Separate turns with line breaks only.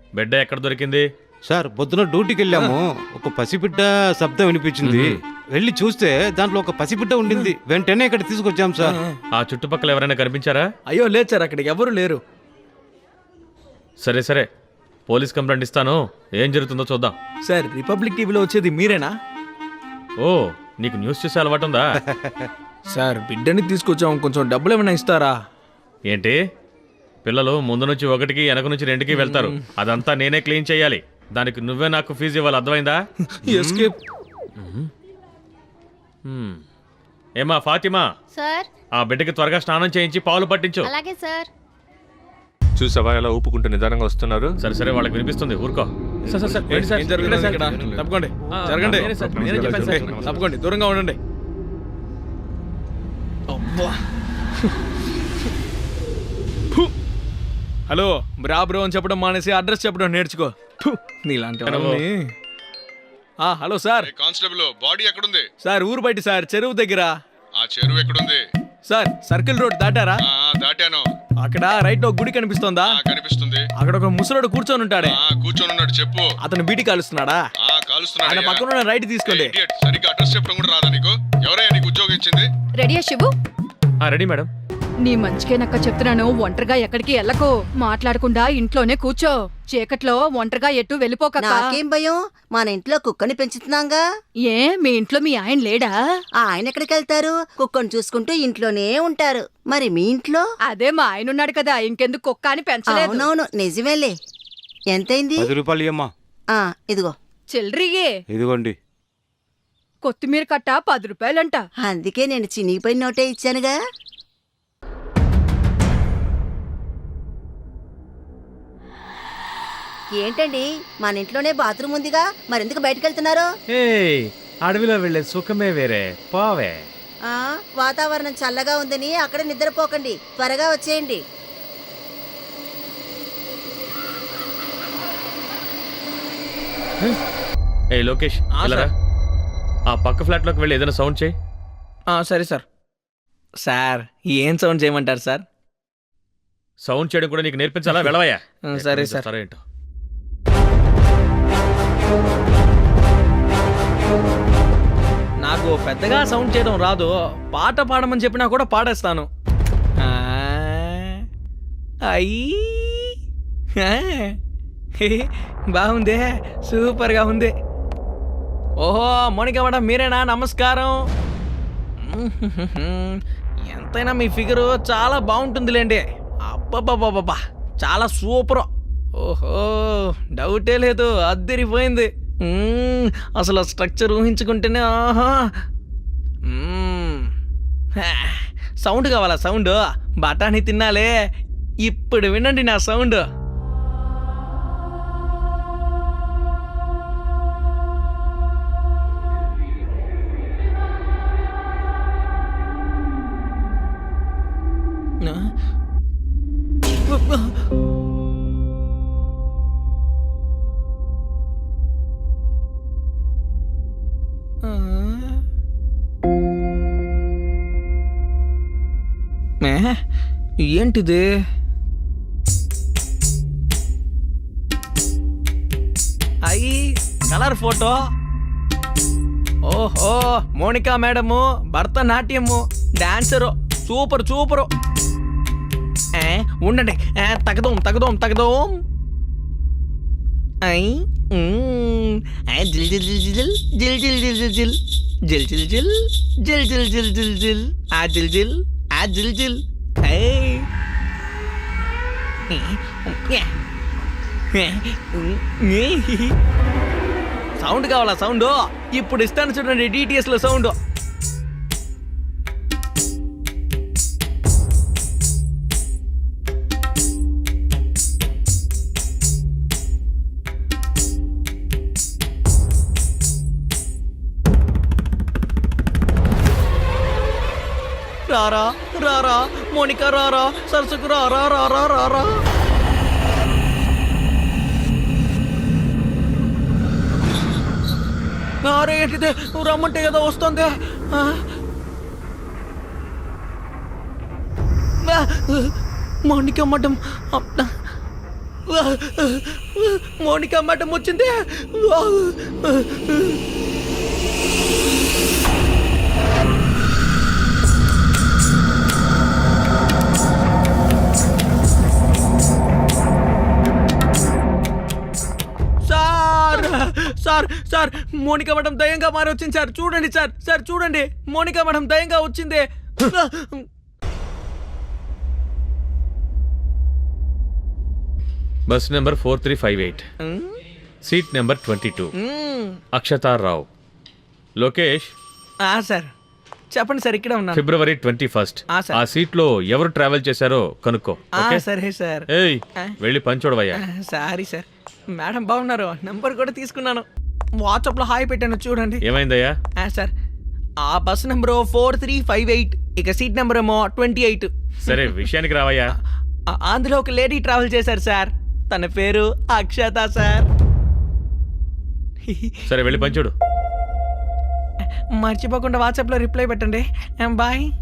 బిడ్డ ఎక్కడ దొరికింది?
సార్ పొద్దున డ్యూటీకి వెళ్ళాము. ఒక పసిబిడ్డ శబ్దం వినిపించింది. వెళ్ళి చూస్తే దాంట్లో ఒక పసిబిడ్డ ఉండింది. వెంటనే ఇక్కడ తీసుకొచ్చాం సార్.
ఆ చుట్టుపక్కల ఎవరైనా కనిపించారా?
అయ్యో లేదు సార్, అక్కడికి ఎవరు లేరు.
సరే సరే, పోలీస్ కంప్లైంట్ ఇస్తాను. ఏం జరుగుతుందో చూద్దాం.
సార్, రిపబ్లిక్ టీవీలో వచ్చేది మీరేనా?
ఓ, నీకు న్యూస్ చూసే అలవాటు ఉందా?
సార్, బిడ్డని తీసుకొచ్చాం, కొంచెం డబ్బులు ఏమైనా ఇస్తారా?
ఏంటి, పిల్లలు ముందు నుంచి 1కి వెనక నుంచి 2కి వెళ్తారు. అదంతా నేనే క్లీన్ చేయాలి. దానికి నువ్వే నాకు ఫీజు ఇవ్వాలి, అర్థమైందా?
ఎస్కేప్.
ఏమా ఫాతిమా,
సార్
ఆ బిడ్డకి త్వరగా స్నానం చేయించి పాలు పట్టించు.
అలాగే సార్.
చూసావా ఎలా ఊపుకుంటూ నిదానంగా వస్తున్నారు?
సరే సరే, వాళ్ళకి వినిపిస్తుంది, ఊరుకో.
సార్ సార్ సార్, ఏంటి సార్? ఇక్కడే సార్, ఇక్కడ తప్పకోండి, జరగండి.
నేనే చెప్పాను సార్.
తప్పకోండి, దూరంగా ఉండండి. అబ్బా. హలో, బ్రో అని చెప్పడం మానేసి అడ్రస్ చెప్పడం నేర్చుకో. నీలాంటి వాళ్ళని. Hello sir.
కానిస్టేబుల్, బాడీ ఎక్కడుంది?
సార్, ఊరు బయట సార్, చెరువు దగ్గర.
ఆ చెరువు ఎక్కడుంది?
సార్, సర్కిల్ రోడ్ దాటారా?
దాటాను.
అక్కడ రైట్ లో గుడి కనిపిస్తోందా?
కనిపిస్తుంది.
అక్కడ ఒక ముసలోడు కూర్చొని ఉంటాడే.
కూర్చొని ఉన్నాడు, చెప్పు.
అతను బీటీ కాలుస్తున్నాడా?
కాలుస్తున్నాడు.
ఆయన పక్కన ఉన్న రైట్ తీసుకోండి.
సరిగ్గా అడ్రస్ చెప్పడం కూడా రాదా నీకు? ఎవరయ్యా నీకు ఉద్యోగం ఇచ్చింది?
రెడీయా శివు?
Ready madam.
నీ మంచికేనక్క చెప్తున్నాను, ఒంటరిగా ఎక్కడికి వెళ్ళకు. మాట్లాడకుండా ఇంట్లోనే కూర్చో. చీకట్లో ఒంటరిగా ఎటు వెళ్ళిపోక.
నాకేం భయం, మన ఇంట్లో కుక్కని పెంచుతున్నాగా.
ఏ, మీ ఇంట్లో మీ ఆయన లేడా?
ఆయన ఎక్కడికి వెళ్తారు? కుక్కను చూసుకుంటూ ఇంట్లోనే ఉంటారు. మరి మీ ఇంట్లో?
అదే మా ఆయన ఉన్నాడు కదా, ఇంకెందుకు కుక్క అని పెంచలేదు.
అవునవును, నిజమేలే. ఎంతైంది?
10 రూపాయలు ఇయ్యమ్మా.
ఇదిగో.
చిల్లరియే.
ఇదిగోండి.
కొత్తిమీర కట్ట 10 రూపాయలంట.
అందుకే నేను చినిగిపోయిన నోటే ఇచ్చానుగా. ఏంటండి, మన ఇంట్లోనే బాత్రూమ్ ఉందిగా, మరెందుకు బయటకు వెళ్తున్నారు?
అడవిలో వెళ్లే సుఖమే వేరే, పోవే.
వాతావరణం చల్లగా ఉందని అక్కడ నిద్రపోకండి, త్వరగా వచ్చేయండి.
ఏ లోకేష్, వెళ్ళరా. ఆ పక్క ఫ్లాట్ లోకి వెళ్ళి ఏదైనా సౌండ్ చేయి.
సరే సార్. సార్, ఏం సౌండ్ చేయమంటారు సార్?
సౌండ్ చేయడం కూడా నీకు నేర్పించాలా? వెళ్ళవయ్యా.
సరే సార్.
సరే ఏంటో.
నాకు పెద్దగా సౌండ్ చేయడం రాదు. పాట పాడమని చెప్పినా కూడా పాడేస్తాను. బాగుందే, సూపర్గా ఉంది. ఓహో, మోనికా మేడం మీరేనా? నమస్కారం. ఎంతైనా మీ ఫిగరు చాలా బాగుంటుందిలేండి. అబ్బబ్బబ్బబ్బా, చాలా సూపర్. ఓహో, డౌటే లేదు, అద్దరిపోయింది. అసలు స్ట్రక్చర్ ఊహించుకుంటేనే ఆహా. సౌండ్ కావాలా? సౌండ్ బఠానీ తినాలే. ఇప్పుడు వినండి నా సౌండ్. ఏంటిది? అయ్యి కలర్ ఫోటో. ఓహో, Monica madam Bharatanatyam dancer, super super. ఉండండి, తగదోం తగదోం తగదోం. జిల్ జిల్ జిల్ జిల్ జిల్ జిల్ జిల్ జిల్ జిల్ జిల్ జిల్ జిల్ జిల్ జిల్ జిల్ జిల్ ఆ జిల్ జిల్ ఆ జిల్ జిల్. సౌండ్ కావాలా? సౌండ్ ఇప్పుడు ఇస్తాను చూడండి, డిటిఎస్ లో సౌండ్. రారా రారా మోనికా, రారా సరసుకు, రారా రారా రారా. అరే ఏంటిదే, నువ్వు రమ్మంటే కదా వస్తుంది. మోనికా మేడం మోనికా మఠం వచ్చింది. సార్ సార్ సార్ మోనికా మఠం దయంగా మారి వచ్చింది సార్. చూడండి సార్, సార్ చూడండి, మోనికా మఠం దయంగా వచ్చింది.
Bus number 4358, seat number 22, Akshata Rao. Lokesh,
sir చెప్పండి సార్, ఇక్కడే ఉన్నాను.
ఫిబ్రవరి 21.
sir.
ఆ సీట్ లో ఎవరు ట్రావెల్ చేశారో కనుక్కో. ఓకే?
సరే సార్.
ఏయ్, వెళ్ళి పని చూడవయ్యా.
Sorry sir. మేడం బాగున్నారు, నంబర్ కూడా తీసుకున్నాను, వాట్సాప్ లో హాయ్ పెట్టాను చూడండి.
ఏమైందయ్యా?
సార్ ఆ బస్ నెంబర్ 4358, ఇక సీట్ నెంబర్ ఏమో 28.
సరే విషయానికి రావయ్యా.
అందులో ఒక లేడీ ట్రావెల్ చేశారు సార్, తన పేరు అక్షత సార్.
సరే వెళ్ళి పని చూడు.
మర్చిపోకుండా వాట్సాప్ లో రిప్లై పెట్టండి. బాయ్.